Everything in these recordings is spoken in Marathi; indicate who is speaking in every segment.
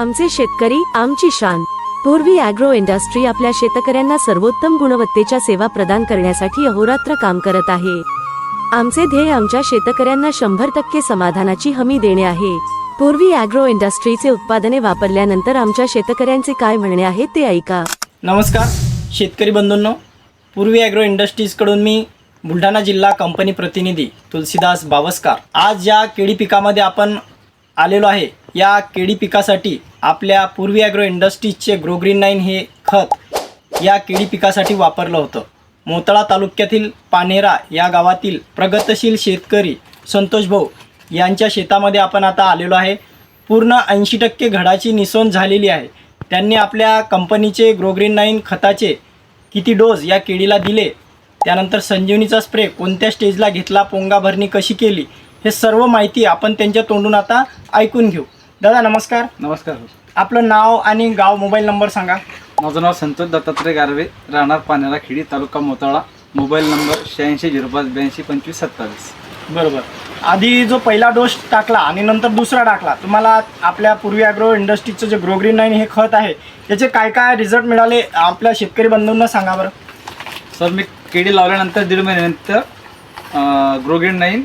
Speaker 1: आमचे शेतकरी आमची शान। पूर्वी ॲग्रो इंडस्ट्री आपल्या शेतकऱ्यांना सर्वोत्तम गुणवत्तेच्या सेवा प्रदान करण्यासाठी अहोरात्र काम करत आहे। आमचे ध्येय आमच्या शेतकऱ्यांना 100% समाधानाची हमी देणे आहे। पूर्वी ॲग्रो इंडस्ट्रीचे उत्पादने वापरल्यानंतर आमच्या शेतकऱ्यांचे काय म्हणणे आहे ते ऐका।
Speaker 2: नमस्कार शेतकरी बंधूंनो, पूर्वी ॲग्रो इंडस्ट्रीजकडून मी बुलढाणा जिल्हा कंपनी प्रतिनिधी तुलसीदास बावस्कर आज या केळी पिकामध्ये आपण आलेलो आहे। या केळी पिकासाठी आपल्या पूर्वी ॲग्रो इंडस्ट्रीजचे ग्रोग्रीन 9 हे खत या केळी पिकासाठी वापरलं होतं। मोताळा तालुक्यातील पानेरा या गावातील प्रगतशील शेतकरी संतोष भाऊ यांच्या शेतामध्ये आपण आता आलेलो आहे। पूर्ण 80% घडाची निसवण झालेली आहे। त्यांनी आपल्या कंपनीचे ग्रोग्रीन 9 खताचे किती डोस या केळीला दिले, त्यानंतर संजीवनीचा स्प्रे कोणत्या स्टेजला घेतला, पोंगा भरणी कशी केली, हे सर्व माहिती आपण त्यांच्या तोंडून आता ऐकून घेऊ। दादा नमस्कार।
Speaker 3: नमस्कार।
Speaker 2: आपलं नाव आणि गाव, मोबाईल नंबर सांगा।
Speaker 3: माझं नाव संतोष दत्तात्रय गारवे, राहणार पानेरा खेडी, तालुका मोताळा, मोबाईल नंबर 8605822527।
Speaker 2: बरोबर। आधी जो पहिला डोस टाकला आणि नंतर दुसरा टाकला, तुम्हाला आपल्या पूर्वी ॲग्रो इंडस्ट्रीचं जे ग्रोग्रीन 9 हे खत आहे याचे काय काय रिझल्ट मिळाले आपल्या शेतकरी बंधूंना सांगा बरं।
Speaker 3: सर, मी केळी लावल्यानंतर 1.5 महिन्यानंतर ग्रोग्रीन 9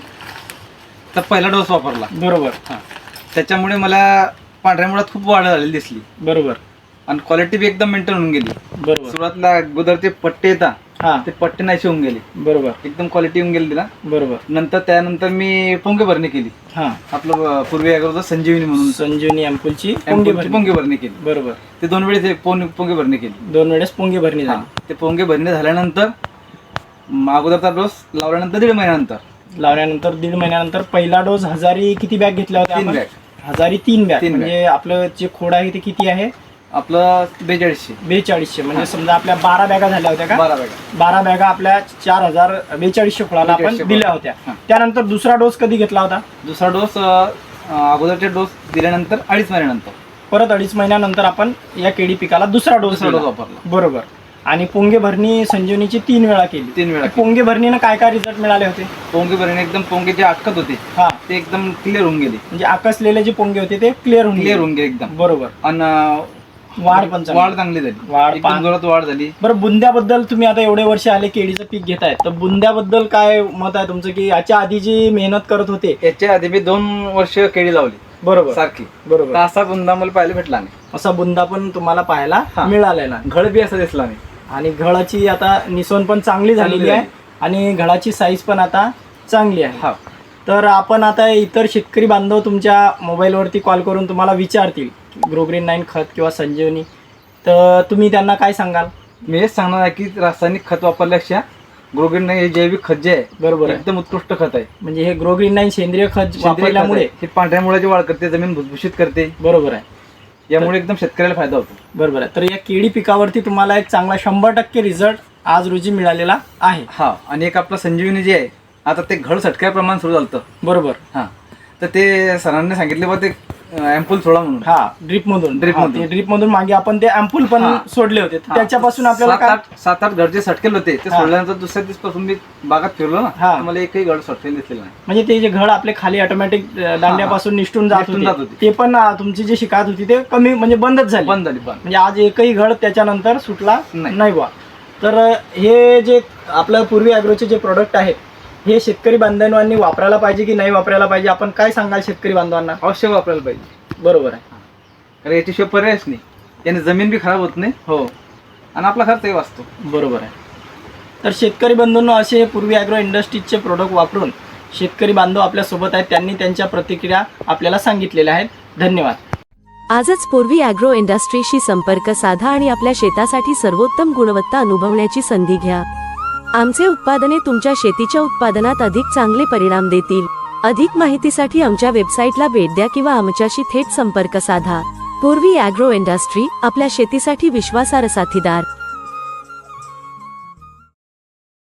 Speaker 3: तर पहिला डोस वापरला।
Speaker 2: बरोबर।
Speaker 3: हां, त्याच्यामुळे मला पांढऱ्या मुळात खूप वाढ झालेली दिसली।
Speaker 2: बरोबर।
Speaker 3: आणि क्वालिटी बी एकदम मेंटेन होऊन गेली।
Speaker 2: बरोबर।
Speaker 3: सुरुवातीला अगोदर ते पट्टे येतात,
Speaker 2: हां,
Speaker 3: ते पट्टे नाहीसे होऊन गेले।
Speaker 2: बरोबर।
Speaker 3: एकदम क्वालिटी येऊन गेली तिला।
Speaker 2: बरोबर।
Speaker 3: त्यानंतर मी पोंगे भरणी केली।
Speaker 2: हां,
Speaker 3: आपलं पूर्वी ॲग्रोचं संजीवनी म्हणून
Speaker 2: संजीवनी अँपूलची
Speaker 3: पोंगे भरणी केली।
Speaker 2: बरोबर।
Speaker 3: ते 2 वेळेस पोंगे भरणी केली।
Speaker 2: 2 वेळेस पोंगे भरणी झाली।
Speaker 3: ते पोंगे भरणी झाल्यानंतर अगोदरचा डोस लावल्यानंतर 1.5 महिन्यानंतर
Speaker 2: लावल्यानंतर 1.5 महिन्यानंतर पहिला डोस हजारी किती बॅग घेतल्या होत्या?
Speaker 3: 3 बॅग।
Speaker 2: हजारी 3 बॅग।
Speaker 3: तीन
Speaker 2: म्हणजे आपलं जे खोड आहे ते किती आहे?
Speaker 3: आपलं 4200।
Speaker 2: 4200 म्हणजे समजा आपल्या 12 बॅगा झाल्या होत्या का?
Speaker 3: 12 बॅग।
Speaker 2: 12 बॅगा आपल्या 4200 खोडाला आपण
Speaker 3: 4200
Speaker 2: दिल्या होत्या।
Speaker 3: हां।
Speaker 2: त्यानंतर दुसरा डोस कधी घेतला होता?
Speaker 3: दुसरा डोस अगोदरचे डोस दिल्यानंतर 2.5 महिन्यानंतर
Speaker 2: परत 2.5 महिन्यानंतर आपण या केळी पिकाला दुसरा डोस
Speaker 3: वापरला।
Speaker 2: बरोबर। आणि पोंगे भरणी संजीवनीची 3 वेळा केली।
Speaker 3: 3 वेळा।
Speaker 2: पोंगे भरणीनं काय काय रिझल्ट मिळाले होते?
Speaker 3: पोंगे भरणी एकदम पोंगे जे अटकत होते
Speaker 2: हा,
Speaker 3: ते एकदम क्लिअर होऊन गेले।
Speaker 2: म्हणजे आकसलेले जे पोंगे होते ते क्लिअर होऊन
Speaker 3: गेले एकदम।
Speaker 2: बरोबर।
Speaker 3: आणि
Speaker 2: वाढ पण
Speaker 3: चांगली झाली।
Speaker 2: वाढ
Speaker 3: एकदम जोरात वाढ झाली।
Speaker 2: बरं, बुंद्याबद्दल तुम्ही आता एवढे वर्ष आले केळीचं पीक घेताय, तर बुंद्याबद्दल काय मत आहे तुमचं, की याच्या आधी जी मेहनत करत होते?
Speaker 3: याच्या आधी मी 2 वर्ष केळी लावली
Speaker 2: बरोबर
Speaker 3: सारखी।
Speaker 2: बरोबर।
Speaker 3: तर असा बुंदा मला पाहायला भेटला नाही।
Speaker 2: असा बुंदा पण तुम्हाला पाहायला
Speaker 3: हां,
Speaker 2: मिळाला ना?
Speaker 3: घड बी असा दिसला नाही।
Speaker 2: आणि घडाची आता निसवण पण चांगली झालेली आहे आणि घडाची साईज पण आता चांगली आहे।
Speaker 3: हा,
Speaker 2: तर आपण आता इतर शेतकरी बांधव तुमच्या मोबाईलवरती कॉल करून तुम्हाला विचारतील ग्रोग्रीन 9 खत किंवा संजीवनी, तर तुम्ही त्यांना काय सांगाल?
Speaker 3: मी हेच सांगणार आहे की रासायनिक खत वापरल्यापेक्षा ग्रोग्रीन 9 हे जैविक खत जे आहे
Speaker 2: बरोबर,
Speaker 3: एकदम उत्कृष्ट खत आहे।
Speaker 2: म्हणजे हे ग्रोग्रीन 9 सेंद्रिय खत वापरल्यामुळे
Speaker 3: हे पांढऱ्या मुळाची वाढ करते, जमीन भुसभुशीत करते।
Speaker 2: बरोबर आहे।
Speaker 3: यामुळे एकदम शेतकऱ्याला फायदा होतो।
Speaker 2: बरोबर आहे। तर या केळी पिकावरती तुम्हाला एक चांगला 100% रिझल्ट आज रोजी मिळालेला आहे।
Speaker 3: हा, आणि एक आपलं संजीवनी जे आहे आता ते घड सटक्या प्रमाण सुरू झालं।
Speaker 2: बरोबर।
Speaker 3: हा, तर ते सरांनी सांगितले बा ते अँपूल सोडा म्हणून।
Speaker 2: हा, ड्रिप मधून मागे आपण ते अँपूल पण सोडले होते, त्याच्यापासून आपल्याला
Speaker 3: 7-8 घडचे सटकेल होते। ते सोडल्यानंतर दुसऱ्या दिवसापासून मी बागात फिरलो ना, मला एकही घड सटकेल दिसलेलं नाही।
Speaker 2: म्हणजे ते जे घड आपले खाली ऑटोमॅटिक दांड्यापासून निष्ठून जात होते ते पण तुमची जी शिकायत होती ते कमी म्हणजे बंदच झाली। म्हणजे आज एकही घड त्याच्यानंतर सुटला नाही बा। तर हे जे आपलं पूर्वी ॲग्रोचे जे प्रोडक्ट आहेत हे शेतकरी बांधवांनी वापरायला पाहिजे की नाही वापरायला पाहिजे? आपण काय सांगाल शेतकरी बांधवांना?
Speaker 3: अवश्य वापरायला पाहिजे।
Speaker 2: बरोबर आहे।
Speaker 3: कारण याच्याशिवाय पर्यायच नाही। याने जमीन बी खराब होत नाही।
Speaker 2: हो,
Speaker 3: आणि आपला खर्चही वाचतो।
Speaker 2: बरोबर आहे। तर शेतकरी बंधूंनो, असे पूर्वी ॲग्रो इंडस्ट्रीजचे प्रोडक्ट वापरून शेतकरी बांधव आपल्यासोबत आहेत, त्यांनी त्यांच्या प्रतिक्रिया आपल्याला सांगितलेल्या आहेत। धन्यवाद।
Speaker 1: आजच पूर्वी ॲग्रो इंडस्ट्रीशी संपर्क साधा आणि आपल्या शेतासाठी सर्वोत्तम गुणवत्ता अनुभवण्याची संधी घ्या। आमचे उत्पादने तुमच्या शेतीच्या उत्पादनात अधिक चांगले परिणाम देतील। अधिक माहितीसाठी आमच्या वेबसाईटला भेट द्या किंवा आमच्याशी थेट संपर्क साधा। पूर्वी ॲग्रो इंडस्ट्री, आपल्या शेतीसाठी विश्वासार्ह साथीदार।